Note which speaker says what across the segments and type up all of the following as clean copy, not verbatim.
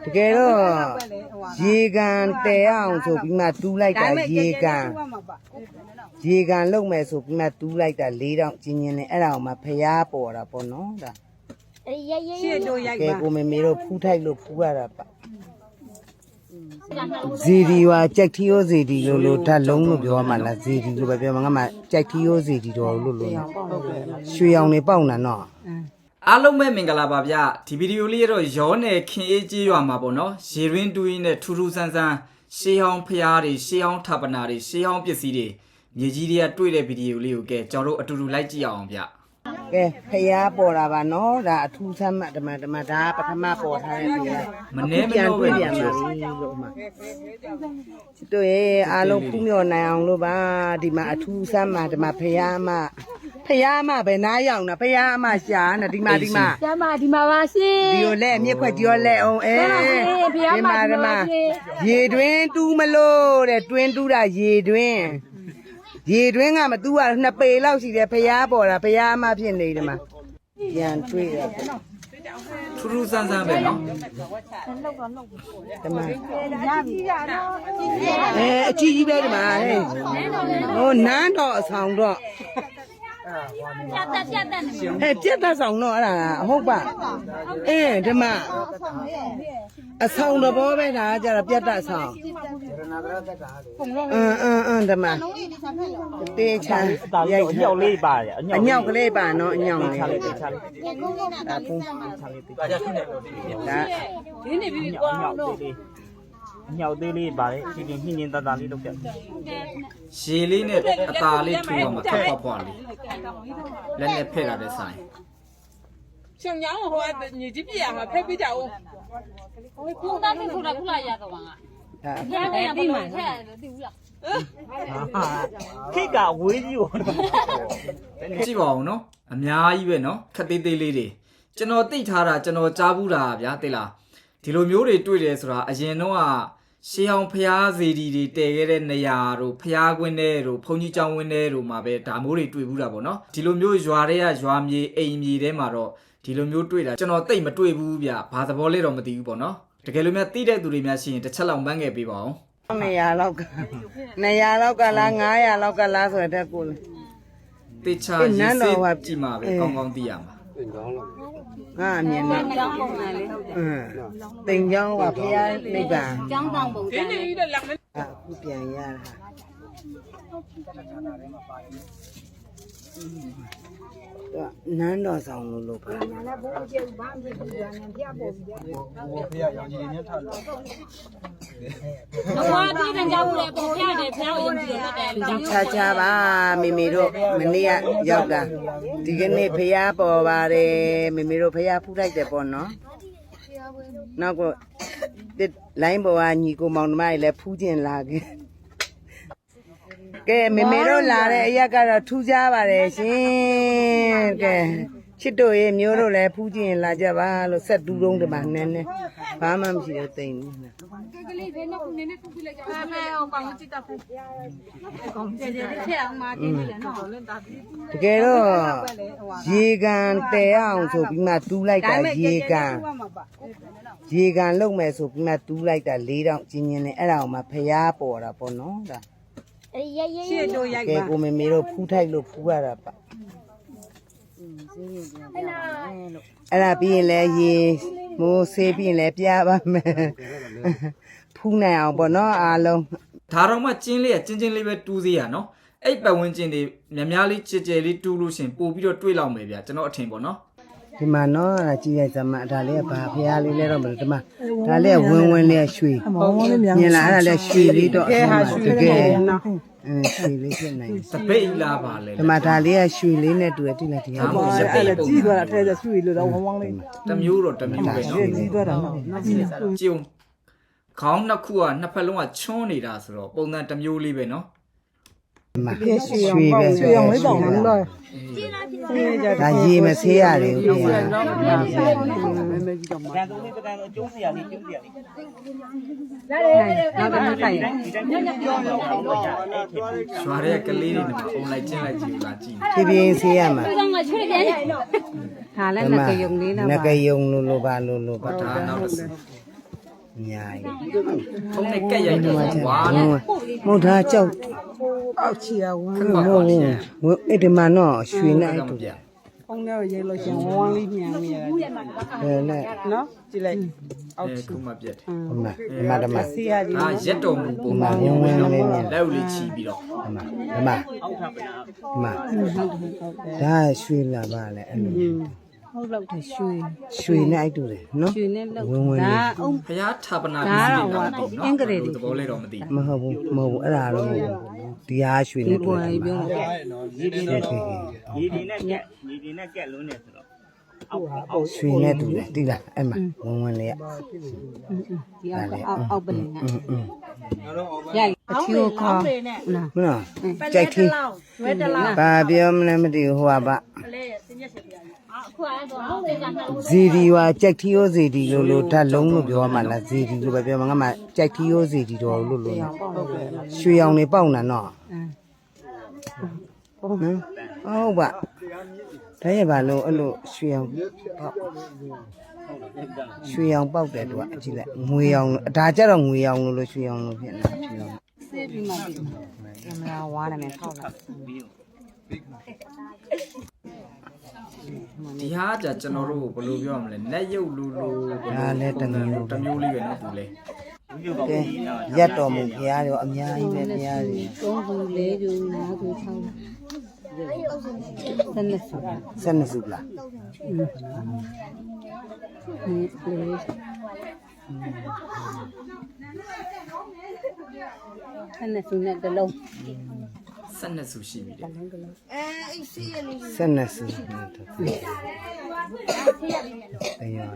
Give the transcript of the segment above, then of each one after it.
Speaker 1: တကယ်တော့ရေကန်တဲအောင်ဆိုပြီးမှတူးလိုက်တာရေကန်လုံမယ်ဆိုပြီးမှတူးလိုက်တာ၄တောင်ကျင်းချင်းနဲ့အဲ့ဒါအောင်မှဖျားပေါ်တာပေါ့နော်ဒါ
Speaker 2: ရှေ့တို့ရိုက်ပါ
Speaker 1: ကဲကိုမေမေတို့ဖူးထိုက်လို့ဖူးရတာပါဇီဒီဟာကြိုက်ထီရိုးဇီဒီလို့ဓာတ်လုံးလို့ပြောမှလားဇီဒီလို့ပဲပြောမှာငါမှကြိုက်ထီရိုးဇီဒီတော်လို့ရွှေအောင်နေပေါက်နေနော်
Speaker 3: အားလုံးပဲမင်္ဂလာပါဗျဒီဗီဒီယိုလေးရတော့ရောနယ်ခင်အေးကြီးရွာမှာပေါ့နော်ရေရင်းတူးရင်းနဲ့ထူးထူးဆန်းဆန်းရှေးဟောင်းဖျားတွေရှေးဟောင်းထာပနာတွေရှေးဟောင်းပစ္စည်းတွေမြေကြီးတွေကတွေ့တဲ့ဗီဒီယိုလေးကိုကဲကျွန်တော်တို့အတူတူလိုက်ကြည့်အောင်ဗျ
Speaker 1: ကဲဖျားပေါ်တာပါနော်ဒါအထူးဆန်းမှဓမ္မဒါပထမပေါ်ထားတဲ့ဖျား
Speaker 3: မနေမလို့ပဲ
Speaker 1: ပြန်ပါလို့မှတို့ရဲ့အားလုံးဖူးမြော်နိုင်အောင်လို့ပါဒီမှာအထူးဆန်းမှဓမ္မဖျားမှပဲနားရောက်တာဖျားမှရှာနေဒီမှာ
Speaker 2: ဒီမှာပါရှင်
Speaker 1: ဒီကိုလက်မြက်ခွက်ကြောလက်အောင်ဒီမှာရေတွင်းတူးမလို့တဲ့တွင်းတူးတာရေတွင်းကမတူးရ2ပေလောက်ရှိတယ်ဖျားပေါ်တာဖျားမှဖြစ်နေတယ်မှာပြန်တွေ့ရ
Speaker 3: ထူးထူးဆန်းဆန်းပဲနော်
Speaker 1: ဒီမှာအကြီးပဲဒီမှာဟိုနန်းတော်အဆောင်တော့ပြတ်သက်ဆောင်တော့အဲ့ဒါဟုတ်ပါဒီမှာအဆောင်တော့ဘောပဲဒါကြတော့ပြတ်သက်ဆောင်ဒီမှာတေးချာ
Speaker 4: ရိုက်ညောက်လေးပါတယ်
Speaker 1: အညောက်ကလေးပါနော်အညောက်လေး
Speaker 4: ဒါ
Speaker 2: ဒီနေပြီကွာတော့
Speaker 4: ညောက်သေးလေးပါတယ်ချင်းချင်းညင်းတတလေးလုပ်ပြ
Speaker 3: ရေလေးနဲ့အသာလေးထူအောင်မှာထောက်ဖွားလေးလက်နဲ့ဖက်လာတဲ့ဆိုင်
Speaker 2: ရှင်ညောင်းဟိုညီကြီးပြရမှာဖက်ပြကြအောင်
Speaker 5: ခုတားခုလာရတော့ပါငါရတဲ့ဘယ်မှာထက်တူးလား
Speaker 4: ခိကဝေးကြီးကို
Speaker 3: ကြည့်ပါဦးနော်အများကြီးပဲနော်ခက်သေးသေးလေးတွေကျွန်တော်သိထားတာကျွန်တော်ကြားဘူးတာဗျာသိလားဒီလိုမျိုးတွေတွေ့တယ်ဆိုတာအရင်တော့ရှေးအောင်ဖျားစေတီတွေတည်ခဲ့တဲ့နေရာတို့ဖျားကွင်းတွေတို့ဘုံကြီးကျောင်းဝင်းတွေတို့မှာပဲဒါမျိုးတွေတွေ့ဘူးတာပေါ့နော်ဒီလိုမျိုးရွာတွေကရွာမြေအိမ်မြေထဲမှာတော့ဒီလိုမျိုးတွေ့တာကျွန်တော်သိမတွေ့ဘူးဗျဘာသဘောလဲတော့မသိဘူးပေါ့နော်တကယ်လို့များသိတဲ့သူတွေများရှိရင်တစ်ချက်လောက်မှန်းခဲ့ပေးပါအောင်
Speaker 1: 200လောက်ကလား900လောက်ကလားဆိုတဲ့ကို
Speaker 3: တေချာရေးစစ်ကြည့်မှာပဲကောင်းကောင်းသိရမှာ
Speaker 1: ငါအမြင်နဲ့တင်ကြောင်းပါဖျားနိဗ္ဗာန်
Speaker 5: ကျောင်းဆောင်ပုံစံ
Speaker 1: အခုပြန်ရတာနန်းတော်ဆောင်လို့ပါနာလည်းဘိုးကျုပ်ဘာမှမဖြစ်ဘူးညာနဲ့ပြပေါ်ပြီး
Speaker 4: ဘိုးဖျားရောင်ကြီးနဲ့ထားလို့
Speaker 5: ဘာဒီတန်ကြောက်လဲပုံဖျားတယ်ဖျားရင်ပြီးတော့တယ်
Speaker 1: ချာပါမေတို့မနေ့ကရောက်တာဒီကနေ့ဖျားပေါ်ပါတယ်မေတို့ဖျားဖူးလိုက်တယ်ပေါ့နော်နောက်ကလိုင်းပေါ်ကညီကိုမောင်နှမတွေလည်းဖူးကျင်လာခဲ့ကဲမေတို့လာတဲ့အရက်ကတော့ထူးခြားပါတယ်ရှင်ကဲချစ်တို့ရဲ့မျိုးတို့လည်းဖူးကျင်လာကြပါလို့ဆက်တူးတုံးတပါနဲ့နဲ့ဘာမှမရှိတော့တိမ်နေ
Speaker 2: ကလေးဘယ်နဲ့ခုနေနဲ့ခုပြလိုက်ကြပါမယ်အောင်ကောင်းကြည့်တတ်ဖို့ကောင်းကြည့်တယ်ထက်အောင်မကြည့်တယ်နော်လွန်းတာ
Speaker 1: တကယ်တော့ရေကန်တဲအောင်ဆိုပြီးမှတူးလိုက်တာရေကန်လုံမယ်ဆိုပြီးမှတူးလိုက်တာ၄တောင်ကျင်းချင်းနဲ့အဲ့ဒါအောင်မှဖျားပေါ်တာပေါ့နော်ဒါ
Speaker 2: ရှေ့တို့ရိုက်ပါ
Speaker 1: ကဲကိုမေတို့ဖူးထိုက်လို့ဖူးရတာပါအဲ့ဒါပြီးရင်လည်းရေမိုးဆေးပြီးရင်လည်းပြပါမယ်ဖူးနိုင်အောင်ပေါ့နော်အားလုံး
Speaker 3: ဒါတော့မှကျင်းလေးကကျင်းလေးပဲတူးသေးရနော်အဲ့ပတ်ဝန်းကျင်တွေများလေးကြဲကြဲလေးတူးလို့ရှင်ပို့ပြီးတော့တွေးလောက်မယ်ဗျကျွန်တော်အထင်ပေါ့နော်
Speaker 1: ဒီမှာနော်ကြည့်ရစမ်းဒါလေးကဘာဖျားလေးလဲတော့မလို့ဒီမှာဒါလေးကဝင်းလေးရွှေမြင်လားအဲ့ဒါလေးရွှေလေးတော့တကယ်နော်ရွှေလေးဖြစ်နိုင်
Speaker 3: တပိတ်လာပါလေ
Speaker 1: ဒီမှာဒါလေးကရွှေလေးနဲ့တူတယ်တိလိုက်ဒီ
Speaker 4: အဲ့ဒါကြီးသွားတာထဲရွှေလို့တော့ဝမ်းလေး
Speaker 3: တမျိုးတော့တမျိုးပဲ
Speaker 4: ကြီးသွားတာနော်
Speaker 3: ကြုံခေါင်းနှစ်ခုကနှစ်ဖက်လုံးကချွန်းနေတာဆိုတော့ပုံစံတမျိုးလေးပဲနော်
Speaker 1: ရွှေပဲ
Speaker 4: ရွှေအောင်လေးတောင်လို့လား
Speaker 1: ဒါရေမဆေးရတယ်ဦး
Speaker 4: ပြန်ရန်ကုန်လေးပကံအကျုံးစရာလေးကျုံးစရာလေး
Speaker 2: နောက်တော့ဆိုင်ရ
Speaker 3: ရွာတဲ့ကလေးတွေနဲ့ပုံလိုက်ချင်းလိုက်ကြည့်လားကြည့်
Speaker 1: ဖြည်းဖြည်းဆေးရမှာ
Speaker 2: ဒါလည်းငကယုံလေးတော့
Speaker 1: ငကယုံလို့ပါ
Speaker 3: ဒါနောက်တစ်
Speaker 1: ညာကြီး
Speaker 3: ထုံးနဲ့ကက်ရိုက်တယ်ကွာ
Speaker 1: မဟုတ်ဒါကြောက်
Speaker 6: အောက်ချီရဝမ်း
Speaker 1: မဟုတ်ဘူးအဲ့ဒီမှာတော့ရွှေနဲ့အဲ့တူ
Speaker 3: ပြ
Speaker 6: ဖုန်းထဲရေးလို့ရှင်ဝမ်းလေးမြန်နေရတယ်
Speaker 1: နဲ့
Speaker 6: နော်ကြည့်လိုက်အောက်ချီ
Speaker 3: ခုမှပြက်တယ်
Speaker 1: ဓမ္မ
Speaker 6: ဆေးရကြီး
Speaker 3: အာရက်တော်မူပုံမှန်လက်ဦးလေးချီပြီးတော့
Speaker 1: ဓမ္မဒါရွှေလာပါလေအဲ့လို
Speaker 6: ဟုတ်တော့တယ်ရွှေ
Speaker 1: ရွှေနဲ့အဲ့တူတယ်နော်
Speaker 6: ရွှေနဲ့လောက်
Speaker 1: ဝင်ဝင်
Speaker 6: ဒါအုံ
Speaker 3: ဘုရားဌာပနာပြုစီတော့နော်သဘောလေးတော့မသိ
Speaker 1: မဟုတ်ဘူးအဲ့ဒါတော့မဟုတ်ဘူးဒီဟာရွှေနဲ့တူတယ်
Speaker 6: ပြောတာ
Speaker 4: ညီဒီနဲ့ကက်လုံးနေဆိုတော့အောက်
Speaker 1: ရွှေနဲ့တူတယ်တိလားအဲ့မှာဝင်ဝင်လေး
Speaker 6: ဒီအောက်ပလင်ကရိုက်အချီကိုခေါ်နာ
Speaker 1: မနော်ကြိုက်သေး
Speaker 2: ဝဲတလား
Speaker 1: ဘာပြောမလဲမသိဘူးဟိုကပါ
Speaker 5: အခုအဲ့တော့ဟုတ်တယ်ကနှစ်ဦး
Speaker 1: ဇီဒီဟာကြိုက်သီးရောဇီဒီလို့ဓာတ်လုံးလို့ပြောမှလားဇီဒီလို့ပဲပြောမှာငါမှကြိုက်သီးရောဇီဒီတော်လို့ရွှေရောင်နေပေါက်နေတော့ဟုတ်ပါဒါရပါလို့အဲ့လိုရွှေရောင်ပေါက်ရွှေရောင်ပေါက်တယ်သူကအကြည့်လိုက်ငွေရောင်ဒါကြတော့ငွေရောင်လို့ရွှေရောင်လို့ဖြစ်နေတာရွှေရောင်
Speaker 6: ဆေးပြီးမှပြီကင်မရာဝါးတယ်မယ်ထောက်လိုက်
Speaker 3: ဒီဟာကြကျွန်တော်တို့ဘယ်လိုပြောရမလဲလက်ရုပ်လူလူတစ်မျိုးလေးပဲနော်သူလေ
Speaker 4: ပြုတ်ပါ
Speaker 1: ကဲ
Speaker 4: ဘူးနော်
Speaker 1: ရက်တော်မူဖရားရောအများကြီးပဲဖရားကြီး
Speaker 6: 3ခု4ခု5ခု6ခု12
Speaker 1: 12စုလား
Speaker 6: 12စုနဲ့တလုံး
Speaker 3: 12စုရှိပြီတဲ့
Speaker 1: 12စုတရား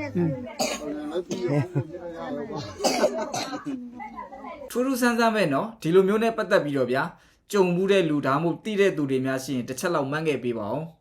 Speaker 3: ထူးထူးဆန်းဆန်းပဲနော်ဒီလိုမျိုးနဲ့ပတ်သက်ပြီးတော့ဗျာကြုံမှုတဲ့လူဒါမှမဟုတ်တိတဲ့သူတွေများရှိရင်တစ်ချက်လောက်မှန်းခဲ့ပေးပါဦး